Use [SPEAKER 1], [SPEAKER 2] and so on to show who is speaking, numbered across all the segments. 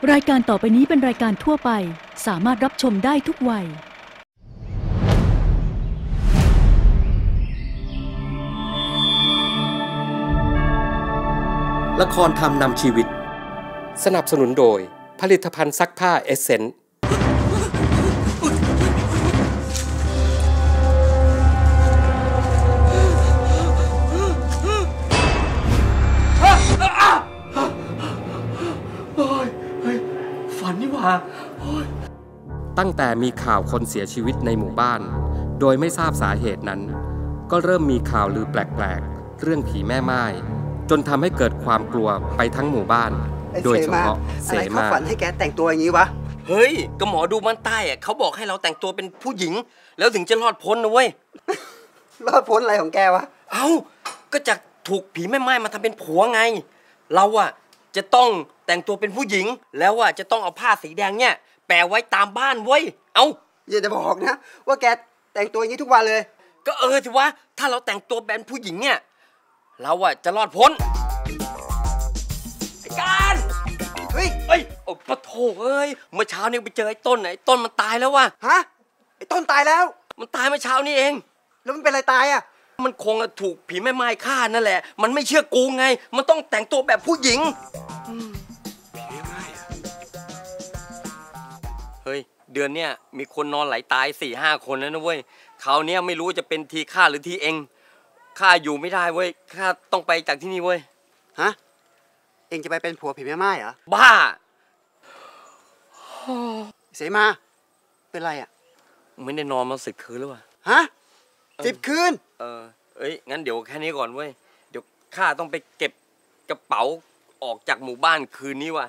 [SPEAKER 1] รายการต่อไปนี้เป็นรายการทั่วไปสามารถรับชมได้ทุกวัย
[SPEAKER 2] ละครธรรมนำชีวิตสนับสนุนโดยผลิตภัณฑ์ซักผ้าเอสเซนต์
[SPEAKER 3] ฝันนี่หว่า
[SPEAKER 2] ตั้งแต่มีข่าวคนเสียชีวิตในหมู่บ้านโดยไม่ทราบสาเหตุนั้นก็เริ่มมีข่าวลือแปลกๆเรื่องผีแม่ไม้จนทำให้เกิดความกลัวไปทั้งหมู่บ้านโดยเฉพาะเสมา
[SPEAKER 4] ฝันให้แกแต่งตัวอย่างนี้วะ
[SPEAKER 3] เฮ้ยก็หมอดูบ้านใต้อะเขาบอกให้เราแต่งตัวเป็นผู้หญิงแล้วถึงจะรอดพ้นนะเว้ย
[SPEAKER 4] รอดพ้นอะไรของแกวะ
[SPEAKER 3] เอ้าก็จากถูกผีแม่ไม้มาทำเป็นผัวไงเราอะจะต้องแต่งตัวเป็นผู้หญิงแล้วอะจะต้องเอาผ้าสีแดงเนี่ยแปะไว้ตามบ้านเว้ยเอ้า
[SPEAKER 4] อย่าจะบอกนะว่าแกแต่งตัวอย่างนี้ทุกวันเลย
[SPEAKER 3] ก็สิวะถ้าเราแต่งตัวเป็นผู้หญิงเนี่ยเราอะจะรอดพ้นไอ้การเฮ้ยโอ้ปะโถเอ้ยเมื่อเช้านี้ไปเจอไอ้ต้นมันตายแล้ววะ
[SPEAKER 4] ฮะไอ้ต้นตายแล้ว
[SPEAKER 3] มันตายเมื่อเช้านี้เอง
[SPEAKER 4] แล้วมันเป็นอะไรตายอะ
[SPEAKER 3] มันคงถูกผีแม่ไม้ฆ่านั่นแหละมันไม่เชื่อกูไงมันต้องแต่งตัวแบบผู้หญิงผีแม่ไม้เฮ้ยเดือนเนี้ยมีคนนอนไหลตาย 4-5 คนแล้วนะเว้ยคราวนี้ไม่รู้จะเป็นทีข้าหรือทีเองข้าอยู่ไม่ได้เว้ยข้าต้องไปจากที่นี่เว้ย
[SPEAKER 4] ฮะเองจะไปเป็นผัวผีแม่ไม้เหรอ
[SPEAKER 3] บ้า
[SPEAKER 4] เสมาเป็นไรอ่ะ
[SPEAKER 3] ไม่ได้นอนมา10 คืนแล้ววะ
[SPEAKER 4] ฮะ10 คืน
[SPEAKER 3] งั้นเดี๋ยวแค่นี้ก่อนเว้ยเดี๋ยวข้าต้องไปเก็บกระเป๋าออกจากหมู่บ้านคืนนี้ว่ะ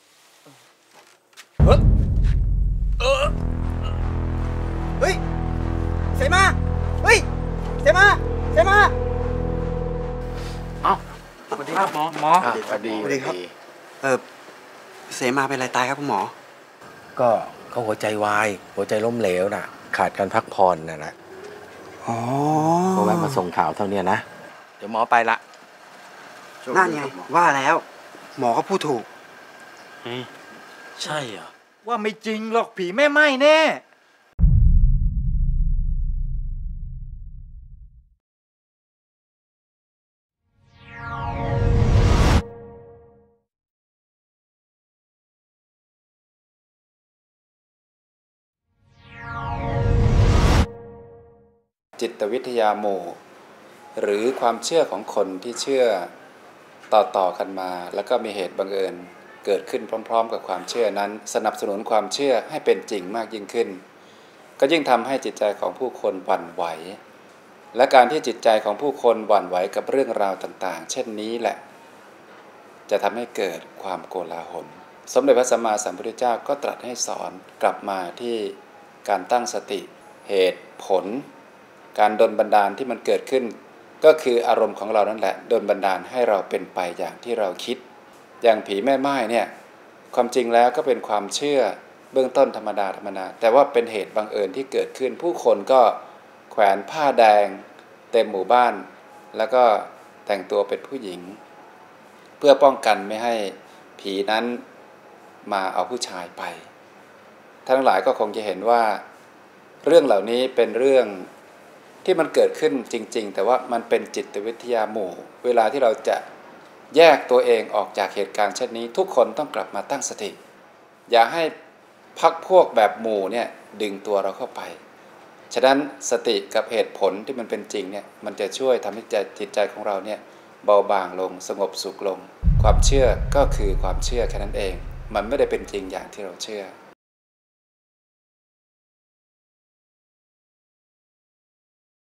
[SPEAKER 4] เฮ้ยเสมาเฮ้ยเสมา
[SPEAKER 3] เอ้าสวัสดีครับหมอ
[SPEAKER 4] สวัสดีครับเสมาเป็นอะไรตายครับคุณหมอ
[SPEAKER 5] ก็เขาหัวใจวายหัวใจล้มเหลวน่ะขาดการพักผ่อนน่ะนะ
[SPEAKER 4] อ๋อ
[SPEAKER 5] ก็แวะมาส่งข่าวเท่านี้นะเดี๋ยวหมอไปละ
[SPEAKER 4] นั่นไงว่าแล้วหมอก็พูดถูก
[SPEAKER 3] ใช่เหรอ
[SPEAKER 6] ว่าไม่จริงหรอกผีแม่ไม้แน่
[SPEAKER 7] จิตวิทยาหมู่หรือความเชื่อของคนที่เชื่อต่อกันมาแล้วก็มีเหตุบังเอิญเกิดขึ้นพร้อมๆกับความเชื่อนั้นสนับสนุนความเชื่อให้เป็นจริงมากยิ่งขึ้นก็ยิ่งทำให้จิตใจของผู้คนหวั่นไหวและการที่จิตใจของผู้คนหวั่นไหวกับเรื่องราวต่างๆเช่นนี้แหละจะทำให้เกิดความโกลาหลสมเด็จพระสัมมาสัมพุทธเจ้าก็ตรัสให้สอนกลับมาที่การตั้งสติเหตุผลการดลบันดาลที่มันเกิดขึ้นก็คืออารมณ์ของเรานั่นแหละดลบันดาลให้เราเป็นไปอย่างที่เราคิดอย่างผีแม่ไม้เนี่ยความจริงแล้วก็เป็นความเชื่อเบื้องต้นธรรมดาแต่ว่าเป็นเหตุบังเอิญที่เกิดขึ้นผู้คนก็แขวนผ้าแดงเต็มหมู่บ้านแล้วก็แต่งตัวเป็นผู้หญิงเพื่อป้องกันไม่ให้ผีนั้นมาเอาผู้ชายไปทั้งหลายก็คงจะเห็นว่าเรื่องเหล่านี้เป็นเรื่องที่มันเกิดขึ้นจริงๆแต่ว่ามันเป็นจิตวิทยาหมู่เวลาที่เราจะแยกตัวเองออกจากเหตุการณ์เช่นนี้ทุกคนต้องกลับมาตั้งสติอย่าให้พรรคพวกแบบหมู่เนี่ยดึงตัวเราเข้าไปฉะนั้นสติกับเหตุผลที่มันเป็นจริงเนี่ยมันจะช่วยทำให้จิตใจของเราเนี่ยเบาบางลงสงบสุขลงความเชื่อก็คือความเชื่อแค่นั้นเองมันไม่ได้เป็นจริงอย่างที่เราเชื่อ